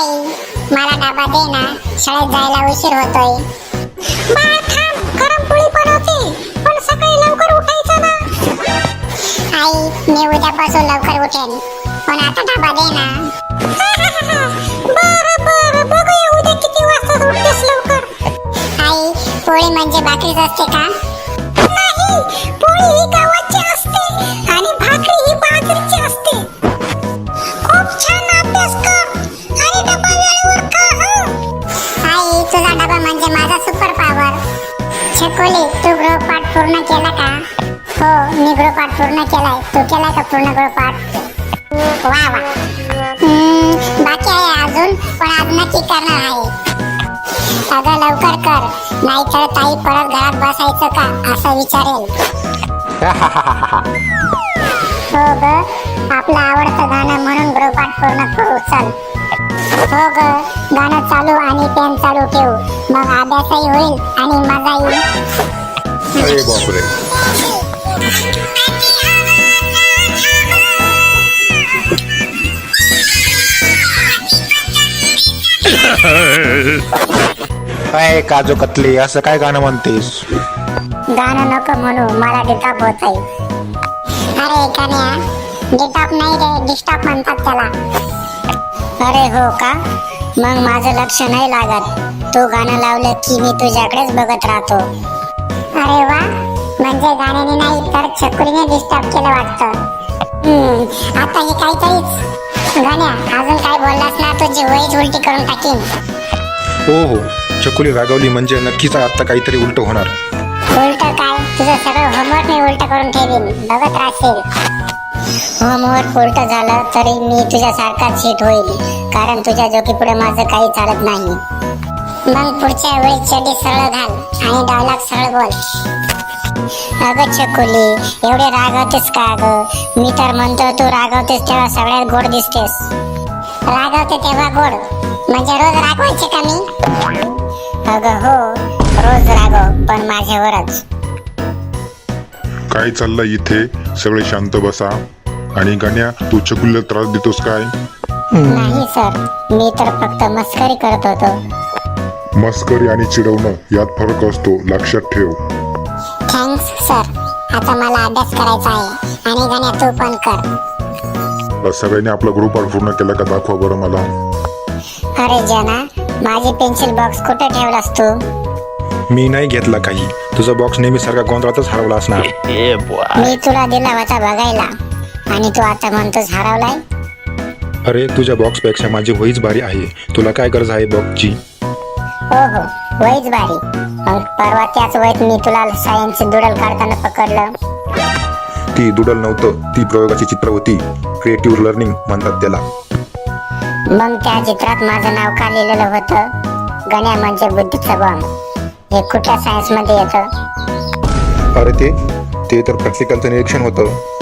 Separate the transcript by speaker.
Speaker 1: आई मला डबा दे ना, शाळेत जायला उशीर होतोय. बाळ थांब, गरम पोळी बनवते, पण सकाळी लवकर उठायचं ना. आई मी उद्यापासून लवकर उठेन, पण आता डबा दे ना. बरं बरं, बघूया उद्या किती वाजता उठतेस लवकर. आई पोळी म्हणजे भाकरीच असते का? नाही, पोळी ही गव्हाची असते आणि भाकरी ही बाजरीची असते. खूप छान अभ्यास कर आणि डबा वेळेवर खा. आई तुझा डबा म्हणजे माझा सुपर पॉवर. छकुली तू गृहपाठ पूर्ण केला का? हो मी गृहपाठ पूर्ण केलाय. तू केलाय का पूर्ण गृहपाठ? वा वा. बाकी आहे अजून, पण आज नक्की करणार आहे. अगं लवकर कर, नाहीतर ताई परत घरात बसायचं का असं विचारेल. हो ग, आपलं आवडतं गाणं म्हणून गृहपाठ पूर्ण करू. चल. हो ग, गाणं चालू आणि पेन चालू ठेवू, मग अभ्यासही होईल आणि मजा येईल.
Speaker 2: अरे बापरे.
Speaker 3: काय काजू कतली, असं काय गाणं म्हणतेस?
Speaker 1: गाणं नको म्हणू, मला डिस्टर्ब होत आहे. अरे कन्या, डिस्टर्ब नाही रे, डिस्टर्ब म्हणतात त्याला. अरे हो का, मग माझं लक्ष नाही लागत. तू गाणं लावलं की मी तुझ्याकडेच बघत राहतो. अरे वा, म्हणजे गाण्याने नाही तर छकुलीने डिस्टर्ब केलं वाटतं. आता हे काहीतरीच. गाण्या अजून काय बोललास ना, तुझी वहीच उलटी करून टाकीन.
Speaker 3: हो हो, छकुली रागवली म्हणजे नक्कीच आता काहीतरी उलट होणार.
Speaker 1: उलट काय, तुझं सगळं होमवर्क मी उलट करून ठेवीन, बघत राहशील. होमवर्क उलट झालं तरी मी तुझ्यासारखाच हिट होईल, कारण तुझ्या जोकीपुढे माझं काही चालत नाही. मग पुढच्या वेळी चड्डी सरळ घाल आणि डायलॉग सरळ बोल. अगं छकुली, एवढे रागवतेस का अगं? मी तर म्हणतो तू रागवतेस तेव्हा सगळ्यात गोड दिसतेस. रागवते तेव्हा गोड म्हणजे रोज रागवायचे का मी? अगं हो, रोज रागव, पण माझ्यावरच.
Speaker 2: काय चाललंय इथे? सगळे शांत बसा. आणि गाण्या, तू छकुलीला त्रास देतोस काय?
Speaker 1: नाही सर, मी तर फक्त मस्करी करत होतो.
Speaker 2: मस्करी आणि चिडवणं यात फरक असतो, लक्षात ठेव.
Speaker 1: Thanks sir. आता मला अभ्यास करायचा आहे आणि गाण्या तू पण कर.
Speaker 2: सगळ्यांनी आपला ग्रुप पूर्ण केला का दाखवा बरं मला.
Speaker 1: अरे जना, माझी पेन्सिल बॉक्स कुठे ठेवलास तू?
Speaker 3: मी नाही घेतला काही. तुझा बॉक्स नेहमी सारखा गोंधळातच हरवला असणार.
Speaker 1: मी तुला दिला होता बघायला आणि तू आता म्हणतोस हरवलाय.
Speaker 3: अरे तुझ्या बॉक्स पेक्षा माझी वहीच भारी आहे. तुला काय गरज आहे बॉक्सची?
Speaker 1: हो हो, वहीच भारी. मग परवा त्याच वहीत मी तुला सायन्सची डुडल काढताना पकडलं.
Speaker 3: ती डुडल नव्हतं, ती प्रयोगाची चित्र होती. क्रिएटिव्ह लर्निंग म्हणतात त्याला.
Speaker 1: मग त्या चित्रात माझं नाव का लिहिलेलं होतं? गण्या म्हणजे बुद्धीचं बॉम्ब. हे कुठल्या सायन्स मध्ये येतं?
Speaker 3: अरे ते तर प्रॅक्टिकलचं निरीक्षण होतं.